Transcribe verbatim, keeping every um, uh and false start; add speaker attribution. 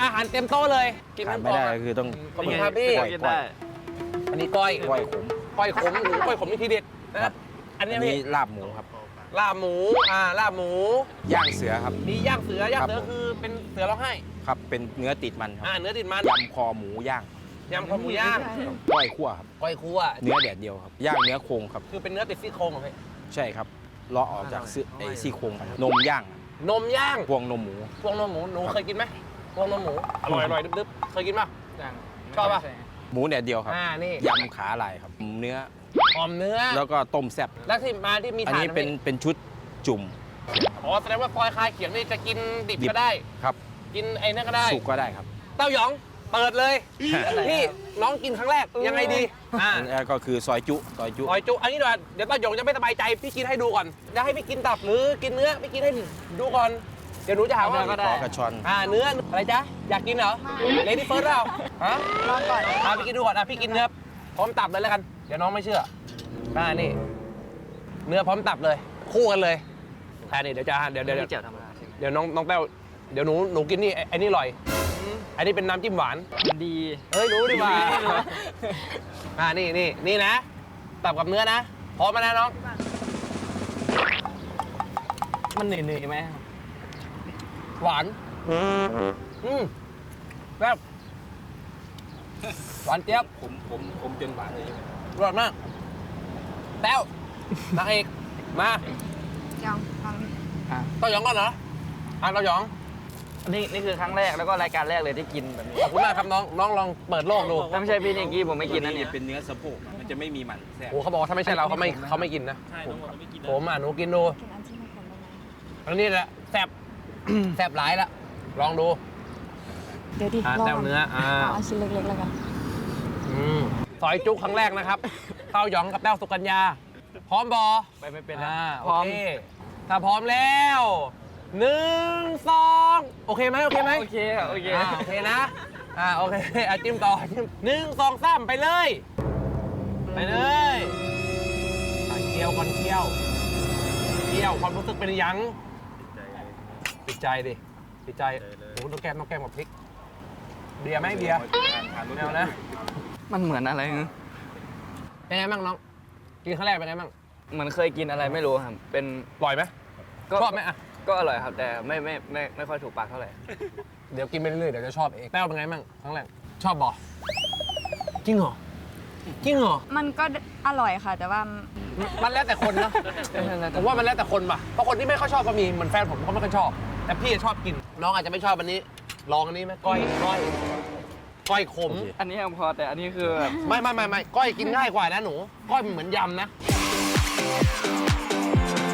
Speaker 1: อาหารเต็มโต๊ะเลยกิน
Speaker 2: ขาด
Speaker 1: น้ำ
Speaker 2: ไม่ได้ก็คือต้อง
Speaker 1: ขอบคุณครับพี่
Speaker 2: ก้อยก้อย
Speaker 1: อันนี้ก้อย
Speaker 2: ก้อยขม
Speaker 1: ก้อยขมหมูก้อยขมนี่ทีเด็ดนะครับ อัน
Speaker 2: อั
Speaker 1: นี้
Speaker 2: น
Speaker 1: พี่
Speaker 2: นี้ลาบหมูครับ
Speaker 1: ลาบหมูอ่าลาบหมู
Speaker 2: ย่างเสือครับ
Speaker 1: มีย่างเสือย่างเสือ
Speaker 2: ครับผม
Speaker 1: คือเป็นเสือร้องไห้
Speaker 2: ครับเป็นเนื้อติดมันครับ
Speaker 1: อ่าเนื้อติดมัน
Speaker 2: ยำคอหมูย่าง
Speaker 1: ยำคอหมูย่าง
Speaker 2: ก้อยคั่วครับ
Speaker 1: ก้อยคั่ว
Speaker 2: เนื้อแดดเดียวครับย่างเนื้อโครงครับ
Speaker 1: คือเป็นเนื้อติดซี่โครงเหรอพี่
Speaker 2: ใช่ครับเลาะออกจากซี่ไอ้ซี่โครงครับนมย่าง
Speaker 1: นมย่าง
Speaker 2: พวงนมหมู
Speaker 1: พวงนมหมูหนูเคยกินไหมพวงนมหมูอร่อยอร่อยดึบๆเคยกินป่ะชอบป่ะ
Speaker 2: หมูแดดเดียวครับ
Speaker 1: อ่านี่
Speaker 2: ยำขาลายครับเนื้อ
Speaker 1: หอมเนื้อ
Speaker 2: แล้วก็ต้มแซ่บ
Speaker 1: แล้วที่มาที่มี
Speaker 2: อัน
Speaker 1: ถ่าน
Speaker 2: นี้เป็นเป็นชุดจุ่ม
Speaker 1: อ๋อแสดงว่าซอยคายเขียงนี่จะกินดิบ
Speaker 2: ดิบ
Speaker 1: ก็ได้
Speaker 2: ครับ
Speaker 1: กินไอ้นั่นก็ได้
Speaker 2: สุกก็ได้ครับ
Speaker 1: เต้าหยองเปิดเลยพี่น้องกินครั้งแรกยังไงดีอ่า
Speaker 2: อันนี้ก็คือซอยจุซอยจุ
Speaker 1: หอยจุอันนี้เดี๋ยวเดี๋ยวเต้าหยองจะไม่สบายใจพี่กินให้ดูก่อนจะให้พี่กินตับหรือกินเนื้อพี่กินให้ดูก่อนเดี๋ยวหนูจะหาว่า
Speaker 2: ขอกระชอน
Speaker 1: อ่าเนื้ออะไรจ๊ะอยากกินเหรอเลดี้เฟิร์สเราฮะ
Speaker 3: ลองก่อน
Speaker 1: อ่าพี่กินดูก่อนอ่ะพี่กินเนื้อพร้อมตับเลยแล้วกันเดี๋ยวน้องไม่เชื่ออ่านี่ เนื้อพร้อมตับเลย คู่กันเลยแค่นี้เดี๋ยวจะเดี๋ยวเดี๋ยว
Speaker 4: ไม่เจียวธรรมดาใช่ไหม
Speaker 1: เดี๋ยวน้องน้องแต้วเดี๋ยวหนูหนูกินนี่ไอ้ไอ้นี่อร่อยอันนี้เป็นน้ำจิ้มหวาน
Speaker 4: มันดี
Speaker 1: เฮ้ยรู้ดีกว่าอ่านี่นี่นี่นะตับกับเนื้อนะพร้อมมานะน้อง
Speaker 4: มันเหนื่อยๆไหม
Speaker 1: หวานอืมแบบหวานเจี๊ยบ
Speaker 2: ผมผมผมจนหวานเลย
Speaker 1: อร่อยมากแต้วนางเอกมา
Speaker 3: ยังฟังนี่
Speaker 1: เต้าหยองก่อนเหรออ่ะเต้าหยอง
Speaker 4: นี่นี่คือครั้งแรกแล้วก็รายการแรกเลยที่กินแบบนี้
Speaker 1: ขอบคุณมากครับน้องน้องลองเปิดโลกดู
Speaker 4: ถ้าไม่ใช่พี่นิกกี้ผมไม่กินนะเนี่ย
Speaker 2: เป็นเนื้อสะโพกมันจะไม่มีมันแทรก
Speaker 1: โอ้เขาบอกว่าถ้าไม่ใช่เราเขาไม่เขาไม่กินนะ
Speaker 2: ใช่น้องบอกไม่กิน
Speaker 1: ผมอ่ะหนูกินดู
Speaker 3: กินอันที่ไม่ขมได้ไหม
Speaker 1: อันนี้แหละแซ่บ แซ่บหลายละลองดู
Speaker 3: เดี๋ยวดิ
Speaker 1: อ่ะ
Speaker 3: ลอง
Speaker 1: แต้วเนื้ออ่า
Speaker 3: เอาอันชิ้นเล็กๆแล้วกัน
Speaker 1: อืมซอยจุครั้งแรกนะครับเต้าหยองกับแต้วสุกัญญาพร้อมบอ
Speaker 4: ไปไม่เป็นนะ
Speaker 1: อ่า
Speaker 4: พร้อม
Speaker 1: โเคถ้าพร้อมแล้วหนึ่งสองโอเคไหมโอเคไหม
Speaker 4: โอเคค่ะโอเค
Speaker 1: อ่าโอเคนะอ่าโอเคอ่ะจิ้มต่อจิ้มหนึ่งสองสามไปเลยไปเลยอ่ะเคี่ยวก่อนเคี่ยวเคี่ยวความรู้สึกเป็นยังติดใจดิติดใจโอ้โหต้องแก้มต้องแก้มกับพริกเบียร์ไหมเบียร์แนวนะ
Speaker 4: มันเหมือนอะไรเนอะ
Speaker 1: เป็นไงบ้างน้องกินครั้งแรกเป็นไงบ้าง
Speaker 4: เหมือนเคยกินอะไรไม่รู้ครับ เป็น
Speaker 1: อร่อยไหม
Speaker 4: ก็
Speaker 1: ชอบไหมอ่ะ
Speaker 4: ก็อร่อยครับ แต่ไม่ไม่ไม่ไม่ค่อยถูกปากเท่าไหร่
Speaker 1: เดี๋ยวกินไปเรื่อยๆเดี๋ยวจะชอบเองแต้วเป็นไงบ้างครั้งแรกชอบบ่จริงเหรอจริงเหรอ
Speaker 3: มันก็อร่อยค่ะ แต่ว่า
Speaker 1: มันแล้วแต่คนนะผมว่ามันแล้วแต่คนป่ะเพราะคนที่ไม่ค่อยชอบก็มีเหมือนแฟนผมเขาไม่ค่อยชอบ แต่พี่ชอบกินน้องอาจจะไม่ชอบอันนี้ลองอันนี้ไหมก้อยก้อยก้อยขม
Speaker 4: อันนี้ยังพอแต่อันนี้คือแบบ
Speaker 1: ไม่ไม่ไม่ไม่ก้อยกินง่ายกว่านะหนูก้อยมันเหมือนยำนะ